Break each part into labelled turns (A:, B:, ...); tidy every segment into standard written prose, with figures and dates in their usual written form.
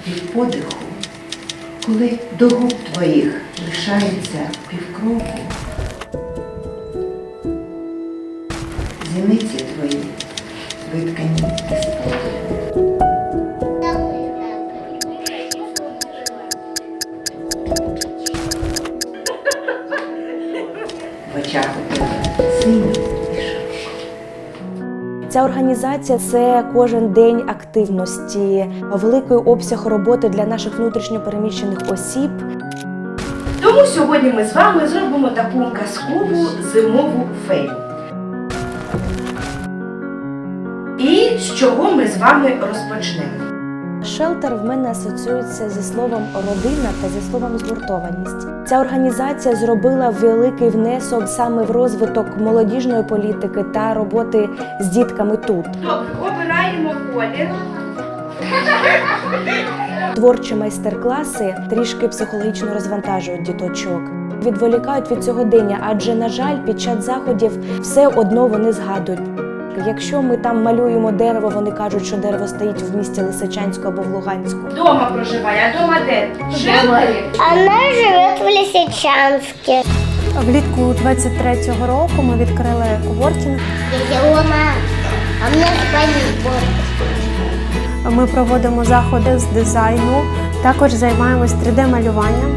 A: від подиху, коли до губ твоїх лишається півкроку, зіниці твої виткані із спокою. В очах у тебе синій і широко.
B: Ця організація – це кожен день активності, великий обсяг роботи для наших внутрішньо переміщених осіб.
C: Тому сьогодні ми з вами зробимо таку казкову зимову фею. І з чого ми з вами розпочнемо?
B: Шелтер в мене асоціюється зі словом «родина» та зі словом «згуртованість». Ця організація зробила великий внесок саме в розвиток молодіжної політики та роботи з дітками тут.
C: Добре, обираємо колір.
B: Творчі майстер-класи трішки психологічно розвантажують діточок. Відволікають від сьогодення, адже, на жаль, під час заходів все одно вони згадують. Якщо ми там малюємо дерево, вони кажуть, що дерево стоїть в місті Лисичанську або в Луганську.
C: Дома проживає, а дома де? В Шелтері?
D: Она живет в Лисичанске.
E: Влітку 23-го року ми відкрили коворкінг.
D: Дядя Рома, а мне звонит.
E: Ми проводимо заходи з дизайну, також займаємось 3D-малюванням.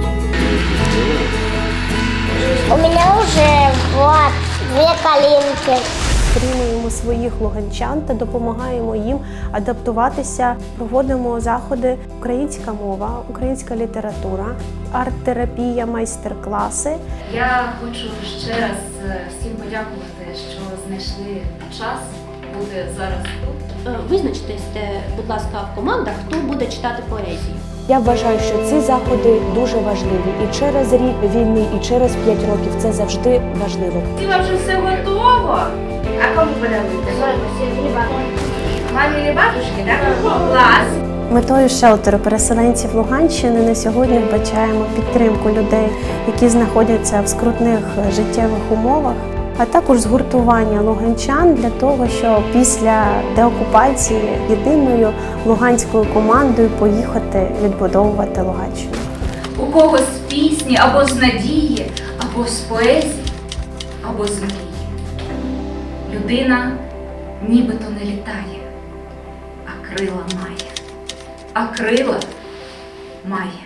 D: У меня уже вот 2 коленки.
E: Підтримуємо своїх луганчан та допомагаємо їм адаптуватися. Проводимо заходи «Українська мова», «Українська література», арт-терапія, майстер-класи.
F: Я хочу ще раз всім подякувати, що знайшли час бути зараз тут.
G: Визначтесь, будь ласка, в командах, хто буде читати поезію.
B: Я вважаю, що ці заходи дуже важливі. І через рік війни, і через 5 років це завжди важливо.
C: Тіла вже все готово. А кому подаруєте? Мамі і бабушки, так? Клас!
E: Метою шелтеру переселенців Луганщини на сьогодні вбачаємо підтримку людей, які знаходяться в скрутних життєвих умовах, а також згуртування луганчан для того, щоб після деокупації єдиною луганською командою поїхати відбудовувати Луганщину.
F: У когось з пісні, або з надії, або з поезії, або з мрії. Людина нібито не літає, а крила має. А крила має